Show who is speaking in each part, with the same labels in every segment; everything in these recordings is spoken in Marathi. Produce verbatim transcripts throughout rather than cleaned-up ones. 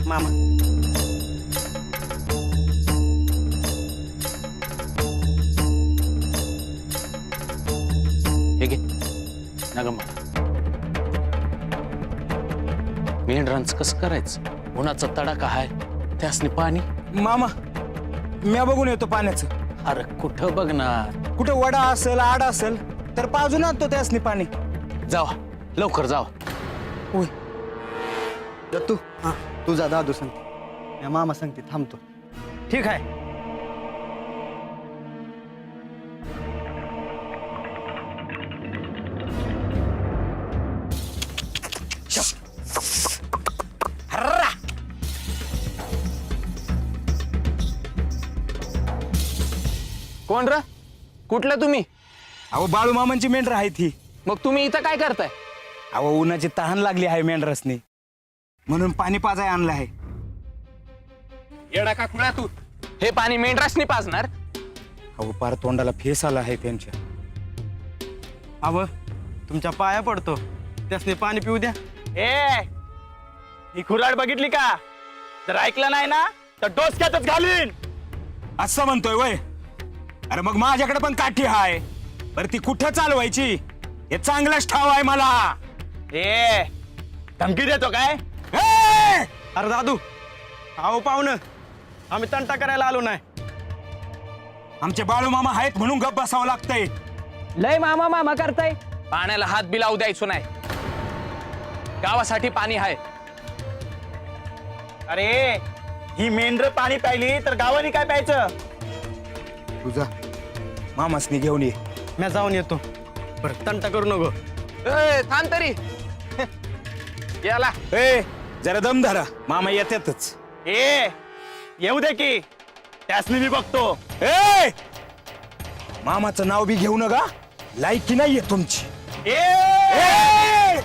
Speaker 1: मामा.
Speaker 2: हे घे नग मला मेंढरांचं कसं करायचं उन्हाचा तडाखा हाय त्यासनी पाणी.
Speaker 1: मामा म्या बघून येतो पाण्याचं.
Speaker 2: अरे कुठं बघणार
Speaker 1: कुठे वडा असेल आड असेल तर पाजून आणतो त्यासनी पाणी.
Speaker 2: जावा लवकर जावा.
Speaker 1: होय.
Speaker 3: दत्तू हा तुझा दादू सांगते या मामा सांगते थांबतो.
Speaker 1: ठीक आहे.
Speaker 2: कोण र कुठलं तुम्ही?
Speaker 1: अहो बाळू मामांची मेंढर आहे ती.
Speaker 2: मग तुम्ही इथं काय करताय?
Speaker 1: अहो उन्हाची तहान लागली आहे मेंढरसनी म्हणून पाणी पाजाय आणलं आहे.
Speaker 2: येडा का खुळा तू? हे पाणी मेंढरासनी पाजणार?
Speaker 1: अहो पार तोंडाला फेस आला आहे त्यांच्या.
Speaker 3: अव तुमच्या पाया पडतो त्यासने पाणी पिऊ द्या.
Speaker 4: ए ही खुराड बघितली का? जर ऐकलं नाही ना तर डोसक्यातच घालीन.
Speaker 1: असं म्हणतोय वय. अरे मग माझ्याकडे पण काठी हाय बरं ती कुठं चालवायची हे चांगलंच ठाव आहे मला.
Speaker 4: ए धमकी देतो काय?
Speaker 1: ए!
Speaker 3: अरे दादू अहो पाहुणं आम्ही तंटा करायला आलो नाही.
Speaker 1: आमचे बाळू मामा आहेत म्हणून गप्प बसावं लागतंय.
Speaker 2: लय मामा मामा करताय. पाण्याला हात बी लावू द्यायचो नाही. गावासाठी पाणी आहे.
Speaker 4: अरे ही मेंढर पाणी प्यायली तर गावाने काय प्यायचं?
Speaker 1: तुझा मामासनी घेऊन ये.
Speaker 3: मी जाऊन येतो. बरं तंटा करू नको.
Speaker 2: ए, थांब तरी याला.
Speaker 1: ए जरा दम धरा मामा येतातच.
Speaker 4: ए येऊ दे की त्यासनी मी बघतो.
Speaker 1: ए मामाचं नाव बी घेऊ नका लायकी नाहीये तुमची.
Speaker 4: ए
Speaker 1: ए!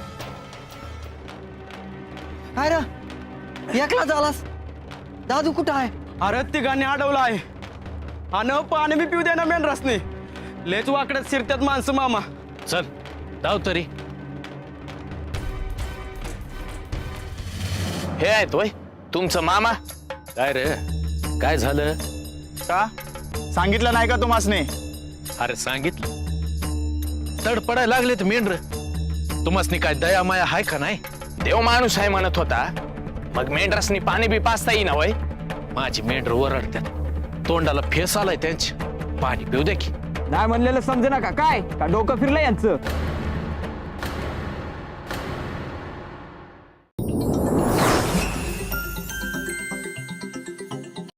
Speaker 3: काय रे एकला झालास? दादू कुठं आहे? अरे तिघांनी अडवलं आहे आणि पाणी बी पिऊ दे ना मेंढरासने. लेच वाकड्यात शिरत्यात माणसं मामा.
Speaker 2: चल धाव तरी. हे आहेत होय तुमचं मामा? काय रे काय झालं?
Speaker 4: का सांगितलं नाही का तुम्हासने?
Speaker 2: अरे सांगितलं तडपडायला लागले तर मेंढर. तुम्हासनी काय दया माया हाय का नाही? देव माणूस आहे म्हणत होता मग मेंढरासनी पाणी बी पाचता येईना वय. माझी मेंढर ओरडत्यात तोंडाला फेस आलाय त्यांची. पाणी पिऊ दे की.
Speaker 5: नाही म्हणलेलं समजे नका काय का डोकं फिरलं यांचं.